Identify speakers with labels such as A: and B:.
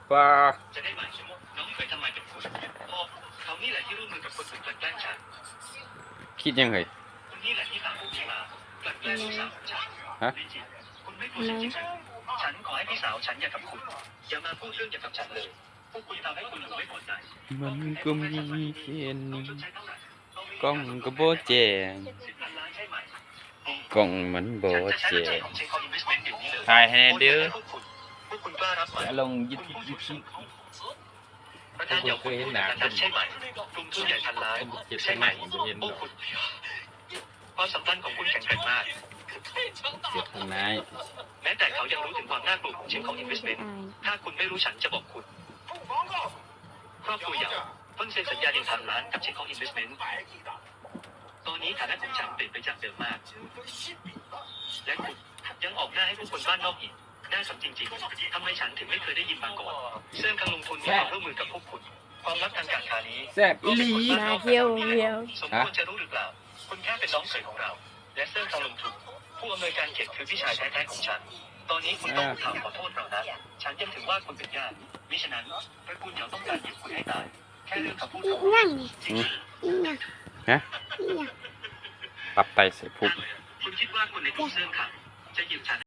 A: ป้า
B: จะได้หมายถึงน้องเคยทำไมกับคุณพ่อเขานี่แหละที่ร่วมมือกับคนอื่นกลั่นแกล้งฉัน
A: คิดยังไง
B: คุณนี่แหละที่พาพวกนี้มากลั่นแกล้งพี่สาวของฉัน
A: ฮะ
B: คุณไม่กลัวฉันจริงหรือฉันขอให้พี่สาวฉันอย่ากับคุณอย่ามาพูดเรื่องเกี่ยวกับฉันเลยพวกคุณทำให้คุณหนูไม่พอใจ
A: มันก็มีแค่นี้กล้องก็บ่แจ้งกล้องมันบ่แจ้งถ่ายให้เด้อจะลงยูทูบ
B: ประธานเคยเห็นหนังใช่ไหมกลุ่มทุนใหญ่พันล้านใช่ไหมความสัมพันธ์ของคุณแข็งแกร่งมาก
A: เสียทนาย
B: แม้แต่เขายังรู้ถึงความน่ากลัวของเชนของ Investment ถ้าคุณไม่รู้ฉันจะบอกคุณครอบครัวเหยาเพิ่งเซ็นสัญญา1,000 ล้านกับเชนของ Investment ตอนนี้ฐานะของฉันเปลี่ยนไปจากเดิมมากและคุณยังออกหน้าให้ผู้คนบ้านนอกอีกน่าสนจริงๆทำไมฉันถึงไม่เคยได้ยินมาก่อนเสื่อมการลงทุนมีความร่วมมือกับพวกคุณความลับทางการค้านี้
A: แซ่บอีหลี
C: มาเที่ยว
B: สมควรจะรู้หรือเปล่าคุณแค่เป็นน้องเขยของเราและเสื่อมการลงทุนผู้อำนวยการเขตคือพี่ชายแท้ๆของฉันตอนนี้คุณต้องถามขอโทษเรานะฉันยังถือว่าคุณเป็นญาติมิฉะนั้นตระกูลเหยาต้องการหยิบคุณให้ตายแค่เรื่องคำพูดของ
A: ฮะปรับไตใส่พุก
B: คุณคิดว่าคนในกลุ่มเสื่อมขังจะหยิบฉัน